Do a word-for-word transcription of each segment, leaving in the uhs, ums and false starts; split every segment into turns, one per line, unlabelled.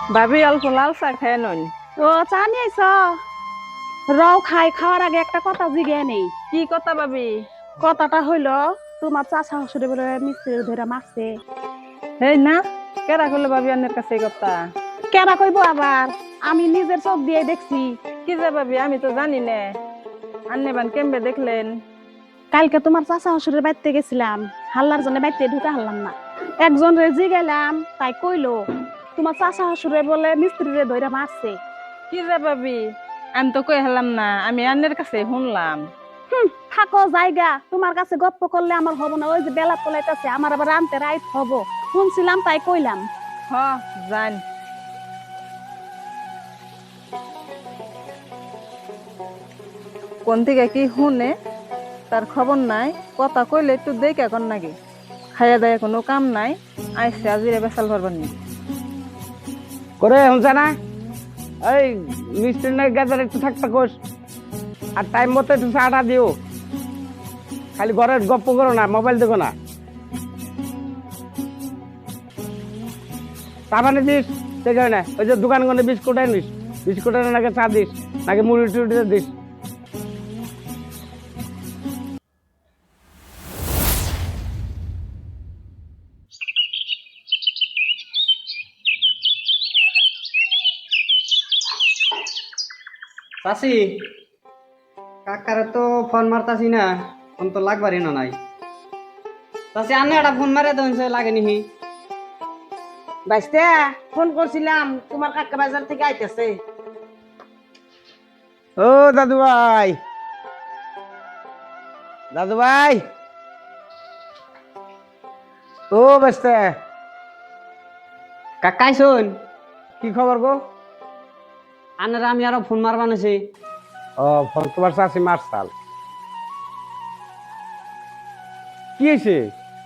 ভাবি অল্প লাল চা খায় নন।
ও চা নিয়ে আইছ রও খাই খাওয়ার আগে একটা কথা জিগে নেই।
কি কথা ভাবি?
কথাটা হইল তোমার চাচা শ্বশুরে বলে মিস্ত্রি ধরে মারছে।
এই না, কেরা করলো ভাবি আন্নের কাছে এই কথা?
কেনা কইব আবার, আমি নিজের চোখ দিয়ে দেখছি।
কি যে ভাবি, আমি তো জানি না। আন্নে বান কেমবে দেখলেন?
কালকে তোমার চাচা শ্বশুরের বাড়িতে গেছিলাম, হাল্লার জন্য বাড়িতে ঢুকে হারলাম না। একজন রেজি গেলাম, তাই কইলো তোমার চাচা শ্বশুরে বলে মিস্ত্রিরে ধরে মারছে।
কি যে ভাবি, আমি তো কই হলাম না, আমি আন্নের কাছে শুনলাম।
হুম, থাকো জায়গা, তোমার কাছে গপ্প করলে আমার হবো না। ওই যে বেলা পলাইতেছে, আমার আবার আনতে রাইত হবো। শুনছিলাম তাই কইলাম।
হ, জান। কোন থেকে কি শুনে তার খবর নাই, কথা কইলে একটু দেখে এখন নাকি খাইয়া দাইয়া কোনো কাম নাই, আইসে আজিরে বেসাল ভরবার নি
করে হচ্ছে না এই মিষ্টি নাই গাজার একটু থাকতে কোস আর টাইম মতো একটু চাটা দিও। খালি ঘরের গপ্প করো না, মোবাইল দেখো না। চা পানি দিস দেখে না, ওই যে দোকান গনে বিস্কুট আনিস, বিস্কুট এনে নাকি চা দিস, নাকি মুড়ি টুড়ি দিস।
চাষি কাকারে তো ফোন মারতাছি না, ফোন তো লাগবারই না নাই। চাষি আনে একটা ফোন মারে তো লাগেনি।
বাইস্তে ফোন করছিলাম, তোমার কাকা বাজার থেকে আইতেছে।
ও দাদু ভাই, দাদু ভাই, ও বেস্তে
কাকাই শোন,
কি খবর গো?
আনের আমি আরো ফোন মারবা নাছি।
ও ফোন তোমার চাষি মারসাল, কি হয়েছে?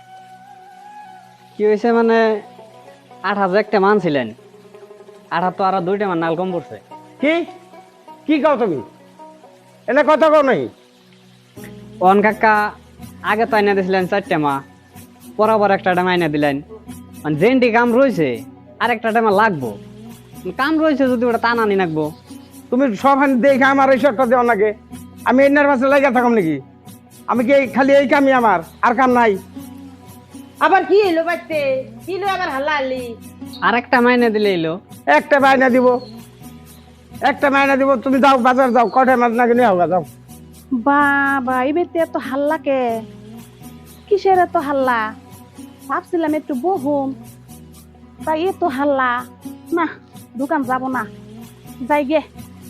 কি হয়েছে মানে আট হাজার একটা মান ছিলেন, আট হাজার তো আরো দুইটা মান নাল কম পড়ছে।
কি কি কও তুমি? এনে কথা কও নাই?
অন কাকা আগে তো আইনা দিছিলেন চারটে মা, বরাবর একটা টাইম আইনা দিলেন। মানে যেনটি কাম রয়েছে আর একটা টাইমে লাগবো, কাম রয়েছে যদি ওটা টান আনি লাগবো।
তুমি সব দেখে আমার এই শর্টটা দেওয়া নাকি? আমি এনার পাশে লাগিয়ে থাকাম নাকি? আমি কি এই- খালি এই কামই আমার, আর কাম নাই?
আবার কি এলো বাইতে, কি এলো আবার হাল্লা হাল্লি?
আর একটা মাইনে দিলে এলো।
একটা মায়না দিব, একটা মায়না দিব। তুমি যাও বাজার যাও, কটায় মাছ নাকি নিয়ে হোক যাও।
বাবা এই বেতে এত হাল্লা কে? কিসের এত হাল্লা? ভাবছিলাম একটু বহুম, তাই এত হাল্লা। না, দোকান যাব না, যাই গে।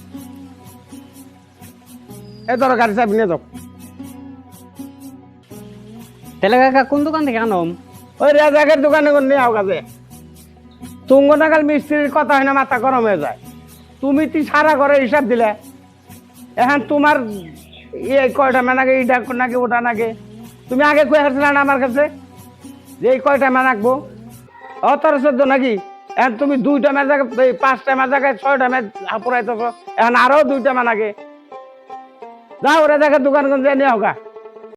এ ধরো গাড়ি চাবি নিয়ে যাও।
তাহলে কাকা কোন দোকান থেকে আনম?
ওই রাজাকের দোকানে করে নিয়ে হোক আছে। তুঙ্গ নাগাল মিস্ত্রির কথা হয় না, মাথা গরম হয়ে যায়। তুমি তুই সারা ঘরে হিসাব দিলে, এখন তোমার ইয়ে কয়টা মেনাকে, এইটা নাকি ওটা নাকি। তুমি আগে কয়ে আসলে না আমার কাছে যে এই কয়টা মেনাকবো, অতর চোদ্দ নাকি? এখন তুমি দুইটা মেজাকে, পাঁচটা মেজাকে, ছয়টা মেজ হাপুরাইতেছ, এখন আরো দুইটা মেনাকে। যাও রেজাকের দোকান কোন নিয়ে হোক।